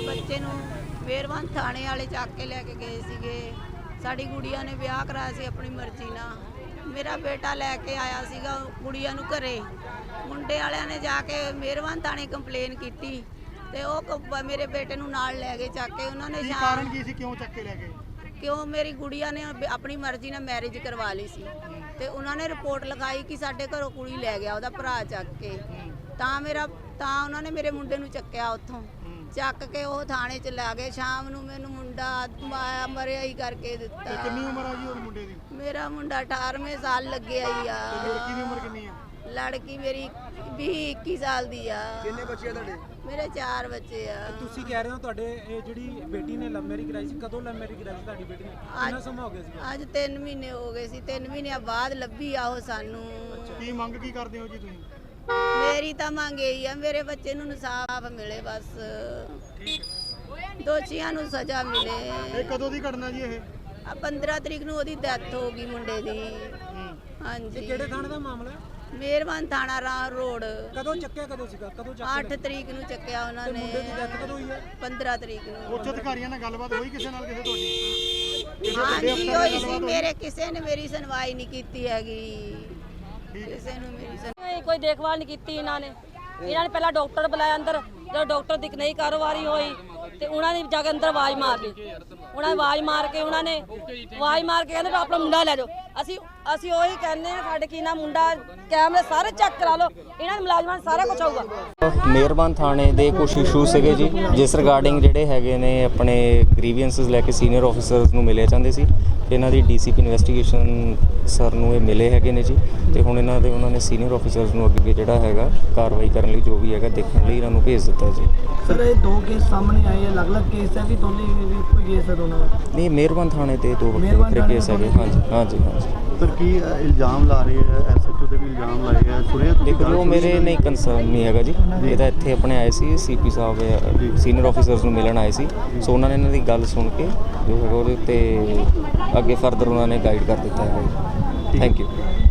ਬੱਚੇ ਨੂੰ ਮਿਹਰਬਾਨ ਥਾਣੇ ਵਾਲੇ ਚੱਕ ਕੇ ਲੈ ਕੇ ਗਏ ਸੀਗੇ। ਸਾਡੀ ਗੁੜੀਆ ਨੇ ਵਿਆਹ ਕਰਾਇਆ ਸੀ ਆਪਣੀ ਮਰਜ਼ੀ ਨਾਲ। ਮੇਰਾ ਬੇਟਾ ਲੈ ਕੇ ਆਇਆ ਸੀਗਾ ਗੁੜੀਆ ਨੂੰ ਘਰੇ। ਮੁੰਡੇ ਵਾਲਿਆਂ ਨੇ ਜਾ ਕੇ ਮਿਹਰਬਾਨ ਥਾਣੇ ਕੰਪਲੇਨ ਕੀਤੀ ਤੇ ਉਹ ਮੇਰੇ ਬੇਟੇ ਨੂੰ ਨਾਲ ਲੈ ਗਏ ਚੱਕ ਕੇ। ਉਹਨਾਂ ਨੇ ਕਾਰਨ ਕੀ ਸੀ, ਕਿਉਂ ਚੱਕ ਕੇ ਲੈ ਗਏ? ਕਿਉਂ ਮੇਰੀ ਗੁੜੀਆ ਨੇ ਆਪਣੀ ਮਰਜ਼ੀ ਨਾਲ ਮੈਰਿਜ ਕਰਵਾ ਲਈ ਸੀ ਤੇ ਉਹਨਾਂ ਨੇ ਰਿਪੋਰਟ ਲਿਖਾਈ ਕਿ ਸਾਡੇ ਘਰੋਂ ਕੁੜੀ ਲੈ ਗਿਆ ਉਹਦਾ ਭਰਾ ਚੱਕ ਕੇ। ਤਾਂ ਉਹਨਾਂ ਨੇ ਮੇਰੇ ਮੁੰਡੇ ਨੂੰ ਚੱਕਿਆ ਉੱਥੋਂ ਚੱਕ ਕੇ ਉਹ ਥਾਣੇ ਚ ਲੈ ਗਏ। ਸ਼ਾਮ ਨੂੰ ਮੈਨੂੰ ਮੁੰਡਾ ਮਰਿਆ ਹੀ ਕਰਕੇ ਦਿੱਤਾ। ਕਿੰਨੀ ਉਮਰ ਆ ਜੀ ਉਹ ਮੁੰਡੇ ਦੀ? ਮੇਰਾ ਮੁੰਡਾ 18ਵੇਂ ਸਾਲ ਲੱਗਿਆ ਹੀ ਆ। ਲੜਕੀ ਦੀ ਉਮਰ ਕਿੰਨੀ ਆ? ਲੜਕੀ ਮੇਰੀ 20-21 ਸਾਲ ਦੀ ਆ। ਕਿੰਨੇ ਬੱਚੇ ਆ ਤੁਹਾਡੇ? ਮੇਰੇ 4 ਬੱਚੇ ਆ। ਤੁਸੀਂ ਕਹਿ ਰਹੇ ਹੋ ਤੁਹਾਡੇ ਇਹ ਜਿਹੜੀ ਬੇਟੀ ਨੇ ਲਵ ਮੈਰਿਜ ਕਰਾਈ ਸੀ, ਕਦੋਂ ਲਵ ਮੈਰਿਜ ਕਰਾਈ ਸੀ ਤੁਹਾਡੀ ਬੇਟੀ ਨੇ? ਕਿੰਨਾ ਸਮਾਂ ਹੋ ਗਿਆ ਸੀ? ਅੱਜ 3 ਮਹੀਨੇ ਹੋ ਗਏ ਸੀ। 3 ਮਹੀਨਿਆਂ ਬਾਅਦ ਲੱਭੀ ਆ ਉਹ ਸਾਨੂੰ। ਕੀ ਮੰਗ ਕੀ ਕਰਦੇ ਹੋ ਜੀ ਤੁਸੀਂ? ਮੇਰੀ ਤਾਂ ਮੰਗ ਇਹੀ ਆ ਮੇਰੇ ਬੱਚੇ ਨੂੰ ਇਨਸਾਫ ਮਿਲੇ, ਬਸ ਦੋਸ਼ੀਆਂ ਨੂੰ ਸਜ਼ਾ ਮਿਲੇ। ਇਹ ਕਦੋਂ ਦੀ ਘਟਨਾ ਜੀ ਇਹ? 15 ਤਰੀਕ ਨੂੰ ਉਹਦੀ ਡੈਥ ਹੋ ਗਈ ਮੁੰਡੇ ਦੀ। ਹਾਂਜੀ। ਕਿਹੜੇ ਥਾਣੇ ਦਾ ਮਾਮਲਾ ਹੈ? ਮਿਹਰਬਾਨ ਥਾਣਾ ਰਾਹ ਰੋਡ। ਕਦੋਂ ਚੱਕਿਆ, ਕਦੋਂ ਸੀਗਾ, ਕਦੋਂ 8 ਤਰੀਕ ਨੂੰ ਚੱਕਿਆ ਉਹਨਾਂ ਨੇ। ਮੁੰਡੇ ਦੀ ਡੈਥ ਕਦੋਂ ਹੋਈ ਹੈ? 15 ਤਰੀਕ ਨੂੰ। ਉੱਚ ਅਧਿਕਾਰੀਆਂ ਨਾਲ ਗੱਲਬਾਤ ਹੋਈ ਕਿਸੇ ਨਾਲ, ਕਿਸੇ ਤੁਹਾਡੀ? ਹਾਂਜੀ ਹੋਈ ਸੀ। ਮੇਰੇ ਕਿਸੇ ਨੇ ਮੇਰੀ ਸੁਣਵਾਈ ਨਹੀਂ ਕੀਤੀ ਹੈਗੀ। ਕਿਸੇ ਨੂੰ ਮੇਰੀ ਕੋਈ ਦੇਖਭਾਲ ਨਹੀਂ ਕੀਤੀ ਇਹਨਾਂ ਨੇ ਪਹਿਲਾਂ ਡਾਕਟਰ ਬੁਲਾਇਆ ਅੰਦਰ। ਜਦੋਂ ਡਾਕਟਰ ਦੀ ਨਹੀਂ ਕਾਰੋਬਾਰੀ ਹੋਈ ਤੇ ਉਹਨਾਂ ਨੇ ਜਾ ਕੇ ਅੰਦਰ ਆਵਾਜ਼ ਮਾਰ ਲਈ। ਉਹਨਾਂ ਨੇ ਆਵਾਜ਼ ਮਾਰ ਕੇ ਕਹਿੰਦੇ ਆਪਣਾ ਮੁੰਡਾ ਲੈ ਜਾਓ। ਅਸੀਂ ਉਹੀ ਕਹਿੰਦੇ ਆ, ਸਾਡੇ ਕੀ ਨਾ ਮੁੰਡਾ ਕੈਮਰੇ ਸਾਰੇ ਚੈੱਕ ਕਰਾ ਲਓ। ਇਹਨਾਂ ਦੇ ਮੁਲਾਜ਼ਮਾਂ ਨੂੰ ਸਾਰਾ ਕੁਝ ਆਊਗਾ। ਮਿਹਰਬਾਨ ਥਾਣੇ ਦੇ ਕੁਝ ਇਸ਼ੂ ਸੀਗੇ ਜੀ, ਜਿਸ ਰਿਗਾਰਡਿੰਗ ਜਿਹੜੇ ਹੈਗੇ ਨੇ ਆਪਣੇ ਗ੍ਰੀਵੈਂਸਸ ਲੈ ਕੇ ਸੀਨੀਅਰ ਆਫੀਸਰਸ ਨੂੰ ਮਿਲੇ ਚਾਹੁੰਦੇ ਸੀ। ਇਹਨਾਂ ਦੀ ਡੀਸੀਪੀ ਇਨਵੈਸਟੀਗੇਸ਼ਨ ਸਰ ਨੂੰ ਇਹ ਮਿਲੇ ਹੈਗੇ ਨੇ ਜੀ ਤੇ ਹੁਣ ਉਹਨਾਂ ਨੇ ਸੀਨੀਅਰ ਆਫੀਸਰਸ ਨੂੰ ਅੱਗੇ ਜਿਹੜਾ ਹੈਗਾ ਕਾਰਵਾਈ ਕਰਨ ਲਈ ਜੋ ਵੀ ਹੈਗਾ ਦੇਖਣ ਲਈ ਇਹਨਾਂ ਨੂੰ ਭੇਜ ਦਿੱਤਾ ਜੀ। ਸਰ ਇਹ 2 ਕੇਸ ਸਾਹਮਣੇ ਆਏ, ਅਲੱਗ-ਅਲੱਗ ਕੇਸ ਹੈ ਕਿ ਦੋਨੇ ਇੱਕੋ ਕੇਸ ਹੈ ਦੋਨਾਂ ਦਾ? ਨਹੀਂ, ਮਿਹਰਬਾਨ ਥਾਣੇ ਤੇ 2 ਵੱਖਰੇ ਕੇਸ ਹੈਗੇ। ਹਾਂਜੀ। ਸਰ ਕੀ ਇਲਜ਼ਾਮ ਲਾ ਰਹੇ ਹੈ? ਐਸਐਚਓ ਤੇ ਵੀ ਇਲਜ਼ਾਮ ਲਾਏ ਹੈ, ਸੁਣਿਆ ਤੁਸੀਂ? ਦੇਖੋ ਮੇਰੇ ਨਹੀਂ ਕੰਸਰਨ ਨਹੀਂ ਹੈਗਾ ਜੀ। ਇਹ ਤਾਂ ਇੱਥੇ ਆਪਣੇ ਆਏ ਸੀ ਸੀਪੀ ਸਾਹਿਬ ਸੀਨੀਅਰ ਆਫੀਸਰਸ ਨੂੰ ਮਿਲਣ ਆਏ ਸੀ। ਸੋ ਉਹਨਾਂ ਨੇ ਇਹਨਾਂ ਦੀ ਗੱਲ ਸੁਣ ਕੇ ਜੋ ਹੈਗਾ ਉਹਦੇ ਉੱਤੇ ਅੱਗੇ ਫਰਦਰ ਉਹਨਾਂ ਨੇ ਗਾਈਡ ਕਰ ਦਿੱਤਾ ਹੈਗਾ ਜੀ। Thank you.